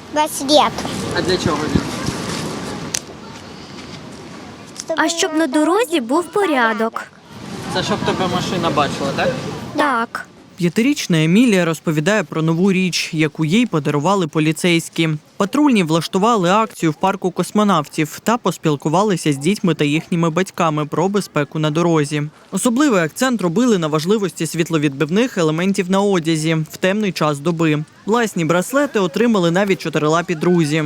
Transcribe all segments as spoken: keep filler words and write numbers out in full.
браслет. А для чого він? А щоб на дорозі був порядок. Це щоб тебе машина бачила, так? Так. П'ятирічна Емілія розповідає про нову річ, яку їй подарували поліцейські. Патрульні влаштували акцію в парку космонавтів та поспілкувалися з дітьми та їхніми батьками про безпеку на дорозі. Особливий акцент робили на важливості світловідбивних елементів на одязі в темний час доби. Власні браслети отримали навіть чотирилапі друзі.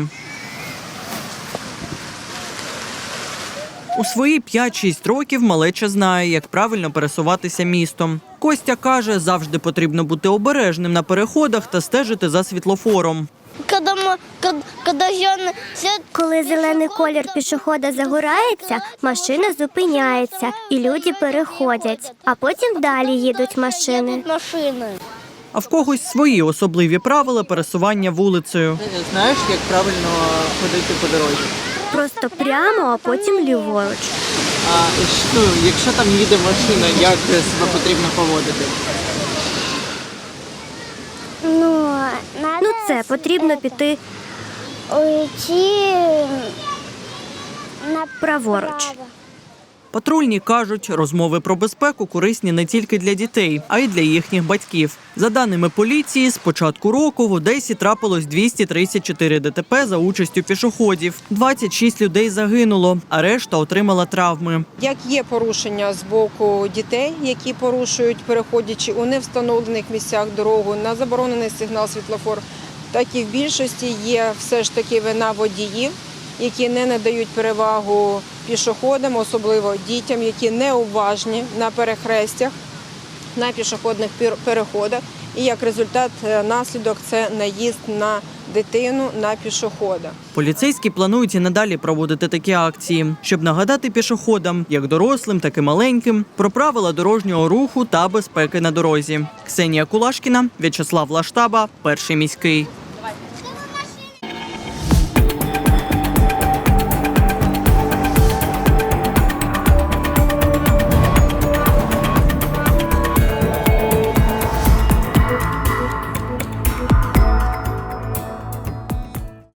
У свої п'ять-шість років малеча знає, як правильно пересуватися містом. Костя каже, завжди потрібно бути обережним на переходах та стежити за світлофором. Коли зелений колір пішохода загорається, машина зупиняється і люди переходять, а потім далі їдуть машини. А в когось свої особливі правила пересування вулицею. Ти знаєш, як правильно ходити по дорозі? Просто прямо, а потім ліворуч. А ну, якщо там їде машина, як себе потрібно поводити? Ну, Ну це, потрібно піти уйти праворуч. Патрульні кажуть, розмови про безпеку корисні не тільки для дітей, а й для їхніх батьків. За даними поліції, з початку року в Одесі трапилось двісті тридцять чотири ДТП за участю пішоходів. двадцять шість людей загинуло, а решта отримала травми. Як є порушення з боку дітей, які порушують, переходячи у невстановлених місцях дорогу на заборонений сигнал світлофор, так і в більшості є все ж таки вина водіїв, які не надають перевагу пішоходам, особливо дітям, які неуважні на перехрестях, на пішохідних переходах. І як результат, наслідок – це наїзд на дитину, на пішохода. Поліцейські планують і надалі проводити такі акції, щоб нагадати пішоходам, як дорослим, так і маленьким, про правила дорожнього руху та безпеки на дорозі. Ксенія Кулашкіна, В'ячеслав Лаштаба, Перший міський.